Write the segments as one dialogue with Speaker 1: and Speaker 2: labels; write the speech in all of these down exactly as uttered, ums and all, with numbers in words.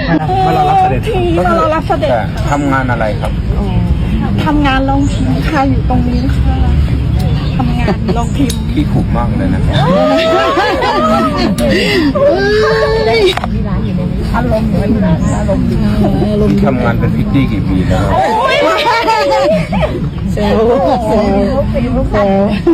Speaker 1: มารอรับเสด็จ
Speaker 2: มารอรับเสด็จ
Speaker 3: ทำงานอะไรครับ
Speaker 2: ทำงานลงพิมพ์ค่ะอยู่ตรงนี้ค่ะทำงานลงพิมพ์
Speaker 3: พี่ขุมากเลยนะอารมณ์อารมณ์พี่ทำงานเป็นพิตตี้กี่ปีแล้ว
Speaker 1: เซลเซลเซล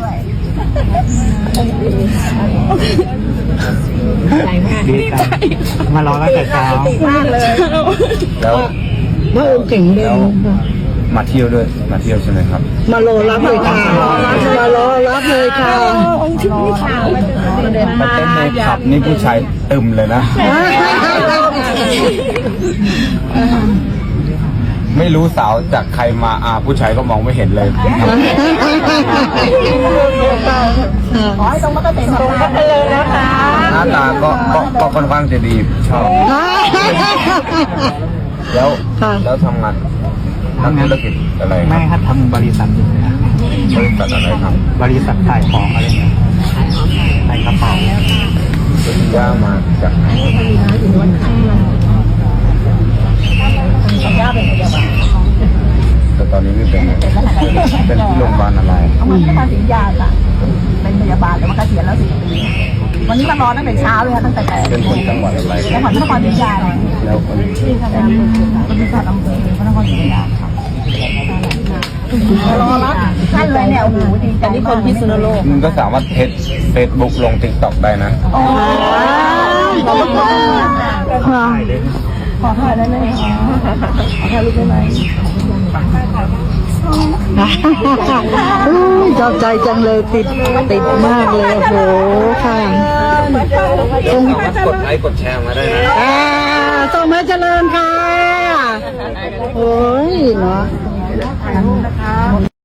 Speaker 1: ดีใจมารอตั้งแต่เช้ามากเลย
Speaker 3: แล้ว
Speaker 1: พระองค์เก่งเลย
Speaker 3: มาเที่ยวด้วยมาเที่ยวใช่ไหมครับ
Speaker 1: มารอรับเลยค่ะมารอรับเลยค่ะ
Speaker 2: องค์ที่นี่ค่ะ
Speaker 3: มาเต้นในผับนี่ผู้ชายตึมเลยนะไม่รู้สาวจากใครมาอาผู้ชายก็มองไม่เห็นเลย
Speaker 2: ขอให้ตรงมาก็เต็มตรงกันเลยนะคะ
Speaker 3: หน้าตาก็ก็ค่อนข้างจะดีชอบแล้วแล้วทำงานทำธุรกิจอะไร
Speaker 1: ไม่ครับทำบริษัท
Speaker 3: บริษัทอะไรครับ
Speaker 1: บริษัทขายของอะไรเงี้ยขายกระเป๋า
Speaker 3: เป็นย่ามาจากไหนแต่ตอนนี้ไม่เป็นเป็นที่โรงพยาบาลอะไร
Speaker 2: เอามันก็ทำสินยาค่ะเป็นพยาบาลแต่ว่าเกษียณแล้วสี่ปีวันนี้มารอตั้งแต่เช้าเลยค่ะตั้งแต่แปด
Speaker 3: เป็นคนจังหวัดอะไร
Speaker 2: จังหวัดนครศรีธรรมราช
Speaker 3: แล้วคน
Speaker 2: ที่ทำงานเป็นบริษัทอำเภอพระนครศรีธรรมราชค่ะรอรับท่านเลยเนี่ยโอ้โหดีแต่นี่คนพิษณุโลก
Speaker 3: มึงก็สามารถเทสเฟซบุ๊กลงติ๊กต็อกได้นะ
Speaker 2: โอ้ขอบคุณค่ะขอถ่ายได้ไหมขอถ่ายรูปได้ไหม
Speaker 1: ชอบใจจังเลยติดติดมากเลยโอ้โหค่ะ
Speaker 3: ส่งกดไลค์กดแชร์มาได้นะ
Speaker 1: อ่าส่งมาเจริญค่ะโอ้ยเนาะ